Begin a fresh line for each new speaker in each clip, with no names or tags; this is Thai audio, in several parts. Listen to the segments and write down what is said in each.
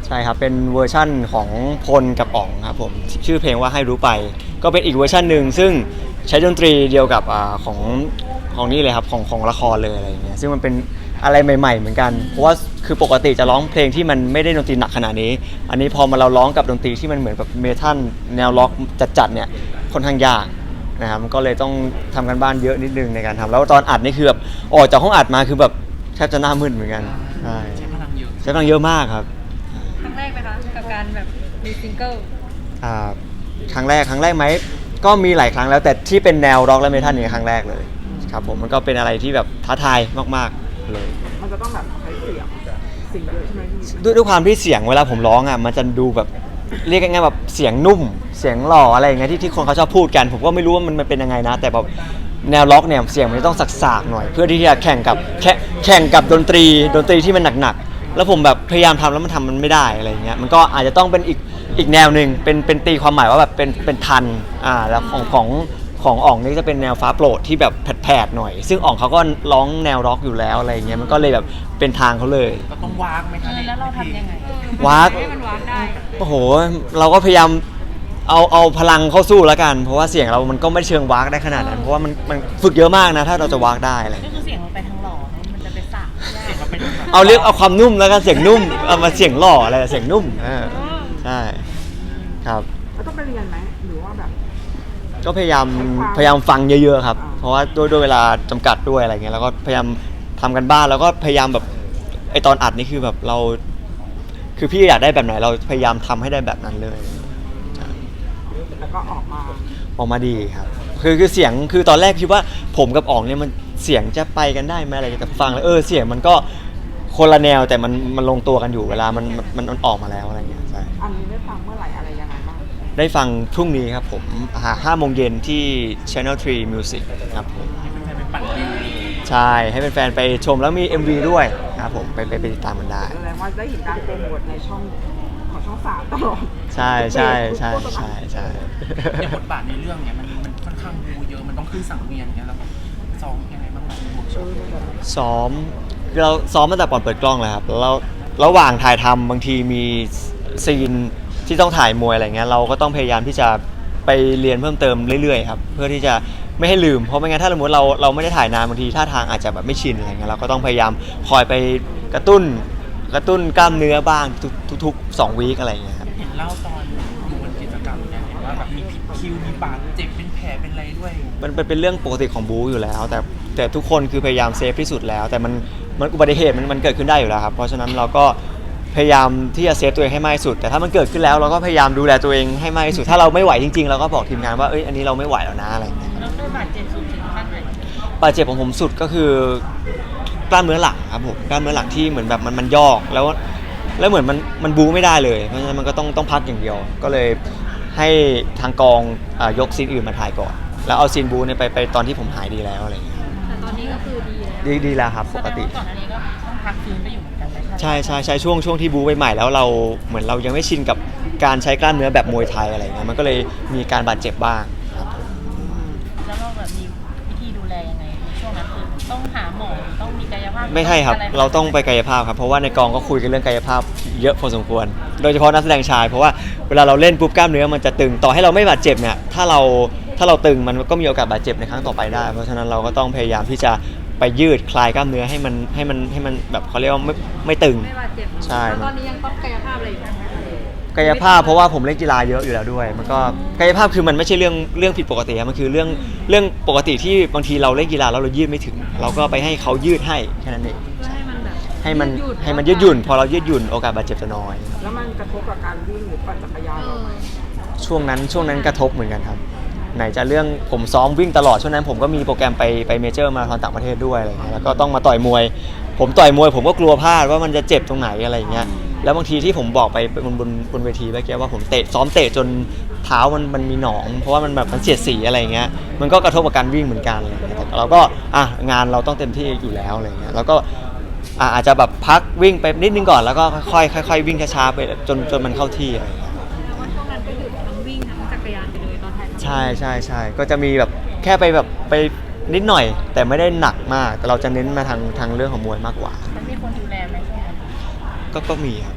ใช่ครับเป็นเวอร์ชั่นของพลกับอ๋องครับผมชื่อเพลงว่าให้รู้ไปก็เป็นอีกเวอร์ชันหนึ่งซึ่งใช้ดนตรีเดียวกับของนี่เลยครับของละครเลยอะไรอย่างเงี้ยซึ่งมันเป็นอะไรใหม่ๆเหมือนกันเพราะว่าคือปกติจะร้องเพลงที่มันไม่ได้ดนตรีหนักขนาดนี้อันนี้พอมาเราร้องกับดนตรีที่มันเหมือนแบบเมทัลแนวล็อกจัดๆเนี่ยค่อนข้างยากนะครับก็เลยต้องทำกันบ้านเยอะนิดนึงในการทำแล้วตอนอัดนี่คือแบบออกจากห้องอัดมาคือแบบแทบจะหน้ามืดเหมือนกันใช่
ใช้พลังเยอะ
ใช้พลังเยอะมากครับ
ครั้งแรกไหมคะกับการแบบมีซิงเกิล
อ่าครั้งแรกไหมก็มีหลายครั้งแล้วแต่ที่เป็นแนวร็อกและเมทัลนี่ครั้งแรกเลยครับผมมันก็เป็นอะไรที่แบบท้าทายมากๆเลย
มันจะต้องแบบใช้เสียงเยอะใช่ไหมพี่
ด้วยความที่เสียงเวลาผมร้องอ่ะมันจะดูแบบเรียกง่ายๆแบบเสียงนุ่มเสียงหล่ออะไรอย่างเงี้ยที่คนเขาชอบพูดกันผมก็ไม่รู้ว่ามันเป็นยังไงนะแต่แบบแนวล็อกเนี่ยเสียงมันต้องสักๆหน่อยเพื่อที่จะแข่งกับดนตรีที่มันหนักๆแล้วผมแบบพยายามทำแล้วมันทำมันไม่ได้อะไรอย่างเงี้ยมันก็อาจจะต้องเป็นอีกแนวหนึ่งเป็นตีความหมายว่าแบบเป็นทันแล้วของอ๋องนี่จะเป็นแนวฟ้าโปรดที่แบบแผดๆหน่อยซึ่งอ๋องเขาก็ร้องแนวร็อกอยู่แล้วอะไรอย่างเงี้ยมันก็เลยแบบเป็นทางเขาเลย
ก็ต้องวากไหมคะ
แล้วเราทำยังไง
วาก
ให้มันวากได้
โอ้โหเราก็พยายามเอาพลังเข้าสู้แล้วกันเพราะว่าเสียงเรามันก็ไม่เชิงวากได้ขนาดนั้นเพราะว่ามันฝึกเยอะมากนะถ้าเราจะวากได้อะไร
ก็คือเสียงเราไปทางหล่อมันจะไปสัก
เสียงเราเป็น
เอาความนุ่มแล้วกันเสียงนุ่มเอามาเสียงหล่ออะไรเสียงนุ่มใช่ครับ
แล้วต้องไปเรียนไหมหรือว่าแบบ
ก็พยายามฟังเยอะๆครับเพราะว่าด้วยเวลาจำกัดด้วยอะไรเงี้ยแล้วก็พยายามทำกันบ้านแล้วก็พยายามแบบไอตอนอัดนี่คือแบบเราคือพี่อยากได้แบบไหนเราพยายามทำให้ได้แบบนั้นเลย
แล้วก็ออกมา
ดีครับคือเสียงคือตอนแรกคิดว่าผมกับอ๋องเนี่ยมันเสียงจะไปกันได้ไหมอะไรแต่ฟังแล้วเสียงมันก็คนละแนวแต่มันลงตัวกันอยู่เวลามันออกมาแล้วอะไรเงี้ยใช่
อันนี้ได้ฟังเมื่อไหร่อะไรยังไงบ้าง
ได้ฟังพรุ่งนี้ครับผม5 โมงเย็นที่ Channel 3 Music ครับผมใช่ให้เป็นแฟนไปชมแล้วมี MV ด้วยครับผมไปติดตามมันได้
แสดงว่าได้เห็นการโปรโมทในช่องของช่อง3ตลอด
ใช่
แต่บทบาทในเรื่องเนี่ยมันค่อนข้างดูเยอะมันต้องขึ้นสังเวียนเนี่ยแล้วซ้อมยังไงบ้าง
ซ้อมเราซ้อมตั้งแต่ก่อนเปิดกล้องเลยครับแล้วระหว่างถ่ายทำบางทีมีซีนที่ต้องถ่ายมวยอะไรเงี้ยเราก็ต้องพยายามที่จะไปเรียนเพิ่มเติมเรื่อยๆครับเพื่อที่จะไม่ให้ลืมเพราะไม่งั้นถ้าสมมติเราไม่ได้ถ่ายนานบางทีท่าทางอาจจะแบบไม่ชินอะไรเงี้ยเราก็ต้องพยายามคอยไปกระตุ้นกล้ามเนื้อบ้างทุก2 วีคอะไรเงี้ยครับ
เห็นเล่าตอนอยู่บนกิจกรรมเนี่ยเห็นว่าแบบมีผิดคิวมีบาดเจ็บเป็นแผลเป็นอะไรด้วย
มันเป็นเรื่องปกติของบู๊อยู่แล้วแต่ทุกคนคือพยายามเซฟที่สุดแล้วแต่มันอุบัติเหตุมันเกิดขึ้นได้อยู่แล้วครับเพราะฉะนั้นเราก็พยายามที่จะเซฟตัวเองให้มากที่สุดแต่ถ้ามันเกิดขึ้นแล้วเราก็พยายามดูแลตัวเองให้มากที่สุดถ้าเราไม่ไหวจริงๆเราก็บอกทีมงานว่าอันนี้เราไม่ไหวแล้วนะอะไรอย่างเงี้ย
แล้วได้บาดเจ็บสุดถึงขั้นไหน
บาดเจ็บของผมสุดก็คือกล้ามเนื้อหลังครับผมกล้ามเนื้อหลังที่เหมือนแบบมันยอกแล้วเหมือนมันบู๊ไม่ได้เลยเพราะฉะนั้นมันก็ต้องพักอย่างเดียวก็เลยให้ทางกองยกซีนอื่นมาถ่ายก่อนแล้วเอาซีนบู๊เนี่ยไปตอนที่ผมหายดีแล้วอะไรอย่างเงี้ย
แต่ตอนนี้ก็คือดี
แล้วครับปกติ
ก่อนอันนี้ก็ต้องพักฟื้นไปอยู่เหมือนกัน
ใช่ช่วงที่บู๊ใหม่ๆแล้วเราเหมือนเรายังไม่ชินกับการใช้กล้ามเนื้อแบบมวยไทยอะไรเงี้ยมันก็เลยมีการบาดเจ็บบ้างครับ
แล้วเราแบบมีวิธีดูแลยังไงในช่วงนั้นคือต้องหาหมอต้องมีกายภาพ
ไม่ใช่ครับเราต้องไปกายภาพครับเพราะว่าในกองก็คุยกันเรื่องกายภาพเยอะพอสมควรโดยเฉพาะนักแสดงชายเพราะว่าเวลาเราเล่นปุ๊บกล้ามเนื้อมันจะตึงต่อให้เราไม่บาดเจ็บเนี่ยถ้าเราตึงมันก็มีโอกาสบาดเจ็บในครั้งต่อไปได้เพราะฉะนั้นเราก็ต้องพยายามที่จะไปยืดคลายกล้ามเนื้อให้มันแบบเขาเรียกว่าไม่ตึง
ไม่บาดเจ็บ
ใช่
ตอนนี้ยังต้องกายภาพอะไรอยู่ไหม
กายภาพเพราะว่าผมเล่นกีฬาเยอะอยู่แล้วด้วยมันก็กายภาพคือมันไม่ใช่เรื่องผิดปกติมันคือเรื่องปกติที่บางทีเราเล่นกีฬาแล้วเรายืดไม่ถึงเราก็ไปให้เขายืดให้แค่นั้นเองให้มันยืดหยุ่นพอเรายืดหยุ่นโอกาสบาดเจ็บจะน้อย
แล้วมันกระทบกับการวิ่งหรือปั่นจักรยานไหม
ช่วงนั้นกระทบเหมือนกันครับไหนจะเรื่องผมซ้อมวิ่งตลอดช่วงนั้นผมก็มีโปรแกรมไปเมเจอร์มาราธอนต่างประเทศด้วยอะไรเงี้ยแล้วก็ต้องมาต่อยมวยผมต่อยมวยผมก็กลัวพลาดว่ามันจะเจ็บตรงไหนอะไรเงี้ยแล้วบางทีที่ผมบอกไปบนเวทีเมื่อกี้ว่าผมซ้อมเตะจนเท้ามันมีหนองเพราะว่ามันแบบมันเสียดสีอะไรเงี้ยมันก็กระทบกับการวิ่งเหมือนกันอะไรเงี้ยแต่เราก็งานเราต้องเต็มที่อยู่แล้วอะไรเงี้ยแล้วก็อาจจะแบบพักวิ่งไปนิดนึงก่อนแล้วก็ค่อยวิ่งช้าๆไปจนมันเข้าที่อะไรเงี้ย
ช่วงนั้นก็คือทั้งวิ่งทั้งจักรยานไปเลยตอนถ่าย
ใช่ก็จะมีแบบแค่ไปนิดหน่อยแต่ไม่ได้หนักมากแต่เราจะเน้นมาทางเรื่องของมวยมากกว่า
มันมีคนดูแลไหม
ก็มีครับ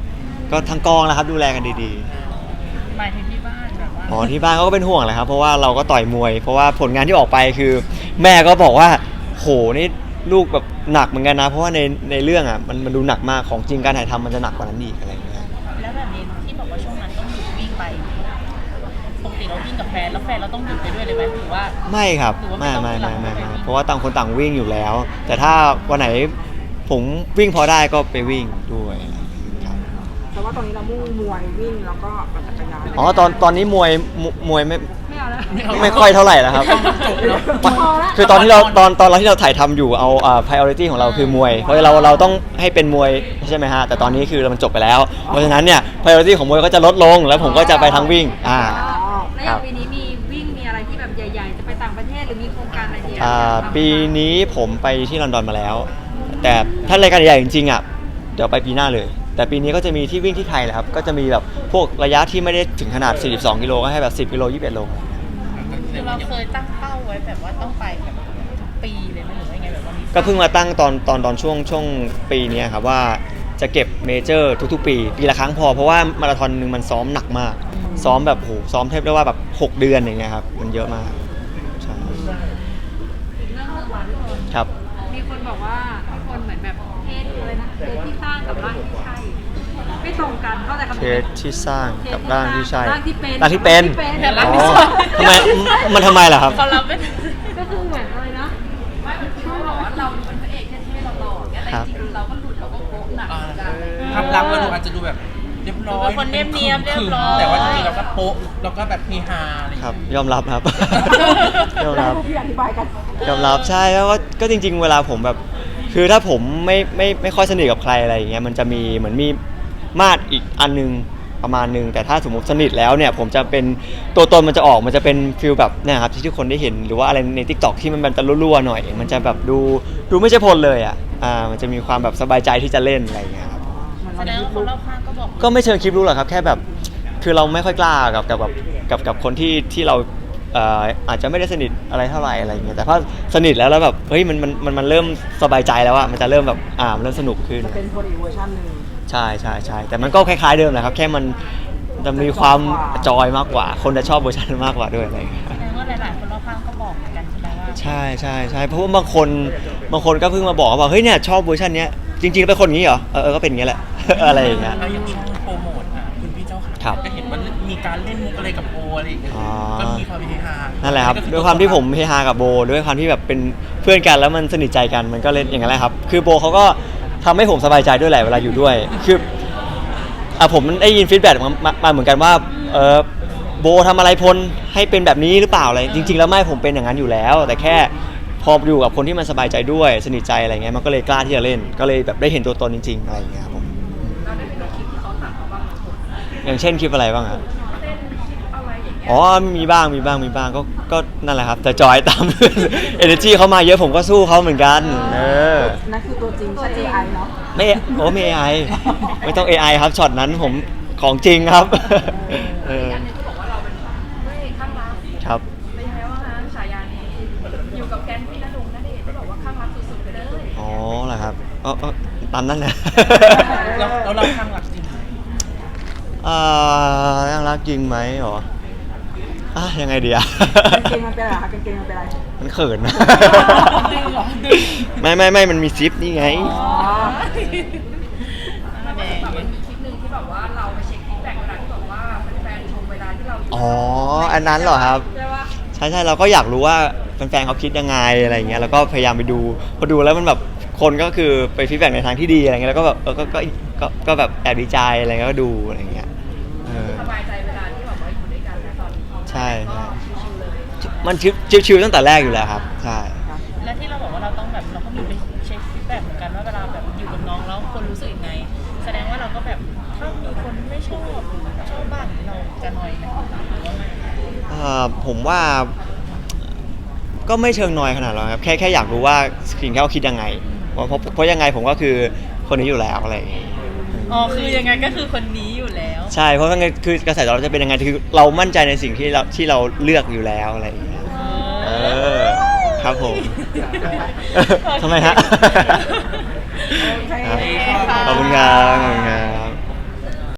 ก็ทั้งกองนะครับดูแลกันดี
หมายถึงที่บ้านแบบว่า
ๆอ๋อที่บ้านเขาก็เป็นห่วงแหละครับเพราะว่าเราก็ต่อยมวย เพราะว่าผลงานที่ออกไปคือ แม่ก็บอกว่าโหนี่ลูกแบบหนักเหมือนกันนะเพราะว่าในเรื่องอ่ะมันดูหนักมากของจริงการถ่ายทำมันจะหนักกว่านั้นอีกอะไรอย่างเงี้ย
แล้วแบบนี้ที่บอกว่าช่วงนั้นต้องหยุดวิ่งไปปกติเราวิ่งกับแฟนแล้วแฟนเราต้องหยุดไปด้วยเลยไหมหรือว่า
ไม่ครับ
หรือว่าไม่
ไม่
ต้อง
ไม่
หลั
ไม่
ง
ไม่
ไปวิ่ง
เพราะว่าต่างคนต่างวิ่งอยู่แล้ว แต่ถ้าวันไหนผมวิ่งพอได้ก็ไปวิ่งด้วยครับ
แต่ว่าตอนนี้เรามุ่งมวยวิ่งแล้วก็ปั่นจักรยาน
อ๋อตอนนี้มวยไม่
ไม่เอาแล้ว
ไม่ค่อยเท่าไหร่แล้วครับ
จบเนาะ
คือตอนที่เราที่เราถ่ายทำอยู่เอาpriority ของเราคือมวย เพราะเราต้องให้เป็นมวยใช่ไหมฮะแต่ตอนนี้คือมันจบไปแล้ว เพราะฉะนั้นเนี่ย priority ของมวยก็จะลดลงแล้วผมก็จะไปทั้งวิ่ง
อ๋อ
แล้วอย่างปีนี้มีวิ่งมีอะไรที่แบบใหญ่ๆ จะไปต่างประเทศหรือมีโครงการอะไรที่
ปีนี้ผมไปที่ลอนดอนมาแล้ว แต่ถ้ารายการใหญ่จริงๆอ่ะเดี๋ยวไปปีหน้าเลย แต่ปีนี้ก็จะมีที่วิ่งที่ไทยแหละครับก็จะมีแบบพวกระยะที่ไม่ได้ถึงขนาด42กิโลก็ให้แบบ10กิโล21โล
คือเราเคยตั้งเป้าไว้แบบว่าต้องไปแบบทุกปีเลยไหมหรือว่ายังไงแบบว่ามี
ก็เพิ่งมาตั้งตอนช่วงปีเนี้ยครับว่าจะเก็บเมเจอร์ทุกๆปีละครั้งพอเพราะว่ามาราธอนนึงมันซ้อมหนักมากซ้อมแบบโหซ้อมเทบได้ว่าแบบ6 เดือนอย่างเงี้ยครับมันเยอะมากใช่
อีกเรื่องหนึ่งค่ะทุกคน
ครับ
มีคนบอกว่าทุกคนเหมือนแบบเพศเลยนะเพศที่สร้างกับร่างที่ใช่ ไม่ตรงกันเข้าใจคำ
เท
นี้
สที่สร้างกับร่างที่ใช่
ร่างที่เป็น
ร่างที่เป็น
ร่าง
อ๋
ที่
อ
ใช่
ทำไมล่ะครับ
เขารับไม่
ก็คือเหมือนอะไรนะไม่คือบอกว่าเราเป็นพระเอกเท่ๆหล่อๆเนี่ยแต่จริงๆเราก็หลุดเราก็โป๊ะหนักเหมือนกัน
ภาพลักษณ์เราดูอาจจะดูแบบเรียบร้อย
เป็นคนเนียบๆเรียบร้อย
แต่ว่าจริงๆเราก็โป๊ะเราก็แบบเฮฮาอะไรอย่าง
ครับ
เงี้ย
ยอมรับครับ ยอมรับ
พี่อธิบายกัน
ยอมรับใช่แล้วก็จริง ๆ เวลาผมแบบคือถ้าผมไม่ค่อยสนิทกับใครอะไรอย่างเงี้ยมันจะมีเหมือนมีมาตรอีกอันนึงประมาณนึงแต่ถ้าสมมติสนิทแล้วเนี่ยผมจะเป็นตัวตนมันจะออกมันจะเป็นฟิลแบบเนี่ยครับที่ทุกคนได้เห็นหรือว่าอะไรใน TikTok ที่มันจะรั่วๆหน่อย มันจะแบบดูไม่ใช่พลเลยมันจะมีความแบบสบายใจที่จะเล่นอะไรอย่างเงี้ยครับ
แสดงว่าคนรอบข้างก็บอก
ก็ไม่เชิงคลิปรู้หรอกครับแค่แบบคือเราไม่ค่อยกล้ากับคนที่เราอาจจะไม่ได้สนิทอะไรเท่าไหร่อะไรอย่างเงี้ยแต่พอสนิทแล้วแบบเฮ้ยมันเริ่มสบายใจแล้วอะมันจะเริ่มแบบมันเริ่มสนุกขึ้น
จะเป็นคนอีกเวอร์ชันหนึ่ง
ใช่แต่มันก็คล้ายๆเดิมแหละครับแค่มันจะมีความจอยมากกว่า คนจะชอบเวอร์ชันมากกว่าด้วยอะไรอย่างเงี้ย
แสดงว่าหลายๆคนรอบข้างก็บอกเหมือนกันใช่ไหมว่า
ใช่เพราะว่าบางคนก็เพิ่งมาบอกว่าเฮ้ยเนี่ยชอบเวอร์ชันเนี้ยจริงๆเป็นคนอย่างนี้เหรอก็เป็นอย่างนี้แหละ อะไรอย่างเงี้ย
เราอย่างช่องโปรโมทคุณพี่เจ้า
ครั
ค่ะ
บ
ก็เห็นว่ามีการเล่นมุกอะไรกับโออะไรอย่างเงี้ย
อ๋อ
ก็มีความเฮฮา
นั่นแหละครับ
ก็อ
ด้วยความที่ผมเฮฮากับโบด้วยความที่แบบเป็นเพื่อนกันแล้วมันสนิทใจกันมันก็เล่นอย่างนั้นแหละครับคือโบเขาก็ทำให้ผมสบายใจด้วยแหละเวลาอยู่ด้วยคือผมได้ยินฟีดแบ็กมาเหมือนกันว่าโบทำอะไรพลให้เป็นแบบนี้หรือเปล่าอะไรจริง ๆ แล้วไม่ผมเป็นอย่างนั้นอยู่แล้ว แต่แค่พออยู่กับคนที่มันสบายใจด้วยสนิทใจอะไรเงี้ยมันก็เลยกล้าที่จะเล่นก็เลยแบบได้เห็นตัวตนจริงๆอะไรอย่างเงี้ยครับผมอย่างเช่นคลิปอะไรบ้างครับอ๋อมีบ้างก็นั่นแหละครับแต่จอยตาม energy เขามาเยอะผมก็สู้เขาเหมือนกัน
นั่นคือตัวจริงใช่ AI เนาะ
ไม่ไม่ AI ไม่ต้อง AI ครับช็อตนั้นผมของจริงครับ
อันนี้ก็บอกว่าเราเป็นพระเอกข้างรัก
ครับ
เป็นไงบ้างคะฉายานี้อยู่กับแก๊งพี่ณดงณเดชน์ก็บอกว่าข้างรักสุดๆไปเลย
อ๋อเหรอครับตามนั้นนะ
แล้วเราข้างหลักจริง
ยังรักจริงไหมหรอยังไงดีอะ
กางเกงมันเป็นอะไรคะกางเกงมันเป็นอะไร
มันเขินนะ
ดึงเหรอดึง
ไม่มันมีซิปนี่ไง
อ๋อ
แบบมันมีคลิปหนึ่งที่แบบว่าเราไปเช็คฟีดแบ็กเวลาที่แบบว่าแฟนๆชมเวลาที่เราอยู่
อ๋ออันนั้นเหรอครับ
ใช่ปะ
ใช่เราก็อยากรู้ว่าแฟนๆเขาคิดยังไงอะไรอย่างเงี้ยแล้วก็พยายามไปดูพอดูแล้วมันแบบคนก็คือไปฟีดแบ็กในทางที่ดีอะไรเงี้ยแล้วก็แบบก็แบบแอบดีใจอะไรเงี้ยก็ดูอะไรเงี้ย
สบายใจเวลาที่แบบว่าอยู่ด้วยกันนะตอนนี้
ใช่
ก็ชิวๆเลย
มันชิวๆตั้งแต่แรกอยู่แล้วครับใช่
และที่เราบอกว่าเราต้องแบบเราก็มีไปเช็คฟีดแบ็กเหมือนกันว่าเวลาแบบอยู่กับน้องแล้วคนรู้สึกยังไง แสดงว่าเราก็แบบถ้ามีคนไม่ชอบหรือชอบบ้างเราจะนอยไหมหรือว่าไม่
ผมว่าก็ไม่เชิงนอยขนาดนั้นครับแค่อยากรู้ว่าสิ่งที่เขาคิดยังไงเพราะยังไงผมก็คือคนนี้อยู่แล้วอะไรอย่างเงี้ย
อ๋อคือยังไงก็คือคนนี้อยู่แล้ว
ใช่เพราะว่าไงคือกระแสตอบรับจะเป็นยังไงคือเรามั่นใจในสิ่งที่เราเลือกอยู่แล้วอะไรอย่างเงี้ยครับผม ทำไมฮะ
โอเค
ขอบคุณครับ